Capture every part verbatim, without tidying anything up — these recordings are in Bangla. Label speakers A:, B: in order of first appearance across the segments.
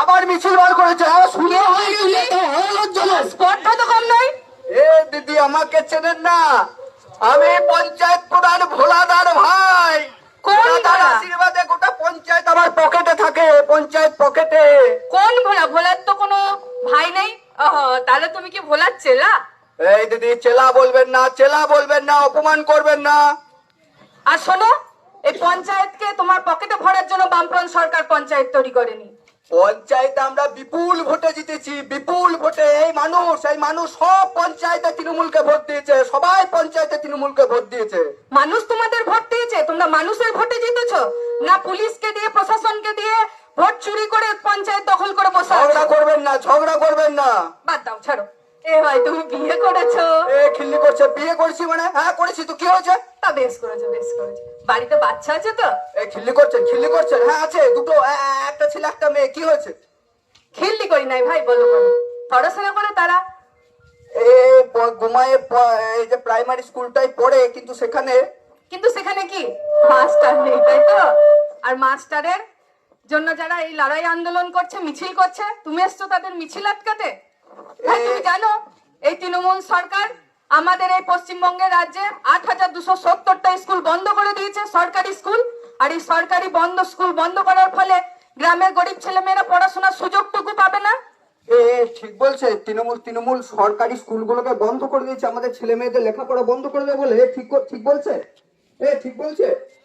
A: আবার মিছিল বার করেছে। শুনে হয়ে গেল
B: স্পটটা তো কম নয়।
A: এ দিদি আমাকে চেনেন না? আমি পঞ্চায়েত প্রধান ভোলাদার ভাই।
B: কোন
A: ভোলাদার
B: ভোলা?
A: আশীর্বাদে গোটা পঞ্চায়েত আমার পকেটে থাকে, পঞ্চায়েত পকেটে।
B: কোন ভোলা? ভোলার তো কোনো ভাই নেই। ওহো, তাহলে তুমি কি ভোলার চেলা?
A: এই দিদি চেলা বলবেন না, চেলা বলবেন না, অপমান করবেন না।
B: আর শোনো, এই পঞ্চায়েতকে তোমার পকেটে ভরার জন্য বামফ্রন্ট সরকার পঞ্চায়েত তৈরি করেনি।
A: পঞ্চায়েত আমরা বিপুল ভোটে জিতেছি, বিপুল ভোটে। এই মানুষ এই মানুষ সব পঞ্চায়েতে তৃণমূলকে ভোট দিয়েছে, সবাই পঞ্চায়েতে তৃণমূলকে ভোট দিয়েছে।
B: মানুষ তোমাদের ভোট দিয়েছে? তোমরা মানুষের ভোটে জিতেছো না পুলিশকে দিয়ে, প্রশাসনকে দিয়ে ভোট চুরি করে পঞ্চায়েত দখল করে বসে আছো?
A: ঝগড়া করবেন না, ঝগড়া করবেন না।
B: বাদ দাও, ছাড়ো। এ ভাই, তুমি বিয়ে করেছো?
A: এ খিল্লি করছে। বিয়ে করেছি মানে? হ্যাঁ করেছি তো, কি হয়েছে?
B: তা বেশ করেছো, বেশ করেছো। বাড়িতে বাচ্চা আছে তো?
A: এ খিল্লি করছেন, খিল্লি করছেন? হ্যাঁ আছে, দুটো, এ- এ- একটা ছেলে একটা মেয়ে। কি হয়েছে?
B: খিল্লি করি নাই ভাই, বলো বলো। পড়াশোনা করে তারা?
A: এ প- ঘুমায়ে প- এই যে প্রাইমারি স্কুলটাই পড়ে, কিন্তু সেখানে
B: কিন্তু সেখানে কি মাস্টার নেই, তাই তো? আর মাস্টারের জন্য যারা এই লড়াই আন্দোলন করছে, মিছিল করছে, তুমি এসছো তাদের মিছিল আটকাতে? ভাই, তুমি জানো এই তৃণমূল সরকার আমাদের এই পশ্চিমবঙ্গের রাজ্যে আট হাজার দুশো সত্তরটা স্কুল বন্ধ করে দিয়েছে, সরকারি স্কুল। আর এই সরকারি বন্ধ স্কুল বন্ধ করার ফলে গ্রামের গরিব ছেলেমেয়েরা পড়াশোনার সুযোগটুকু পাবে না।
A: এ এ, ঠিক বলছে। তৃণমূল তৃণমূল সরকারি স্কুলগুলোকে বন্ধ করে দিয়েছে, আমাদের ছেলে মেয়েদের লেখাপড়া বন্ধ করে দেবে বলে। এ ঠিক ক- ঠিক বলছে? এ ঠিক বলছে?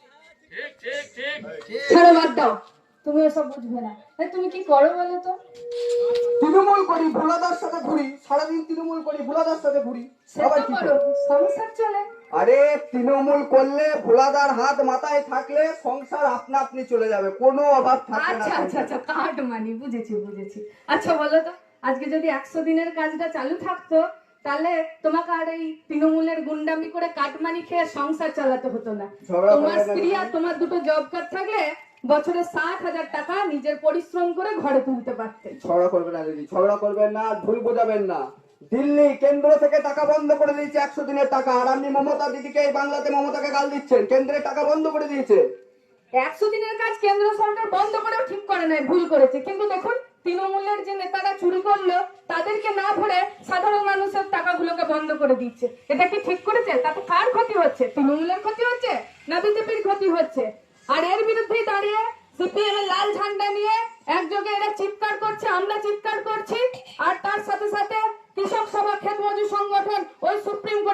B: ছেড়ে বাদ দাও, তুমি এসব বুঝবে না। এই, তুমি কি করো বলো তো?
A: তৃণমূল করি, ভোলাদার সাথে ঘুরি, সারাদিন তৃণমূল করি, ভোলাদার সাথে ঘুরি। আবার কি
B: করো,
A: করো?
B: সংসার চলে।
A: আরে তৃণমূল করলে, ভোলাদার হাত মাথায় থাকলে সংসার আপনা আপনি চলে যাবে, কোনো অভাব থাকবে না।
B: আচ্ছা আচ্ছা আচ্ছা, কার্ড মানি, বুঝেছি বুঝেছি। আচ্ছা বলো তো, আজকে যদি একশো দিনের কাজটা চালু থাকতো, তাহলে তোমাকে আর এই তৃণমূলের গুন্ডামি করে কাটমানি খেয়ে সংসার চালাতে হতো না।
A: ঝগড়া
B: তোমার
A: করবে না
B: স্ত্রী
A: তুমি।
B: আর তোমার দুটো জব কার্ড থাকলে বছরে ষাট হাজার টাকা নিজের পরিশ্রম করে ঘরে তুলতে পারতে।
A: ঝগড়া করবেন না দিদি, ঝগড়া করবেন না, ভুল বোঝাবেন না। দিল্লি কেন্দ্র থেকে টাকা বন্ধ করে দিয়েছে, একশো দিনের টাকা। আর আপনি মমতা দিদিকে এই বাংলাতে মমতাকে গাল দিচ্ছেন, কেন্দ্রের টাকা বন্ধ করে দিয়েছে।
B: একশো দিনের কাজ কেন্দ্র সরকার বন্ধ করেও ঠিক করে নাই, ভুল করেছে। কিন্তু দেখুন, তৃণমূলের যে নেতারা চুরি করলো তাদেরকে না ভরে সাধারণ মানুষের টাকাগুলোকে বন্ধ করে দিচ্ছে। এটা কি ঠিক করেছে? তাতে কার ক্ষতি হচ্ছে? তৃণমূলের ক্ষতি হচ্ছে না বিজেপির ক্ষতি হচ্ছে? আর এর বিরুদ্ধেই দাঁড়িয়ে সিপিএম এর লাল ঝান্ডা নিয়ে একযোগে এরা চিৎকার করছে, আমরা চিৎকার করছি। আর তার সাথে সাথে কৃষক সভা, ক্ষেত মজুর সংগঠন, ওই সুপ্রিম কোর্ট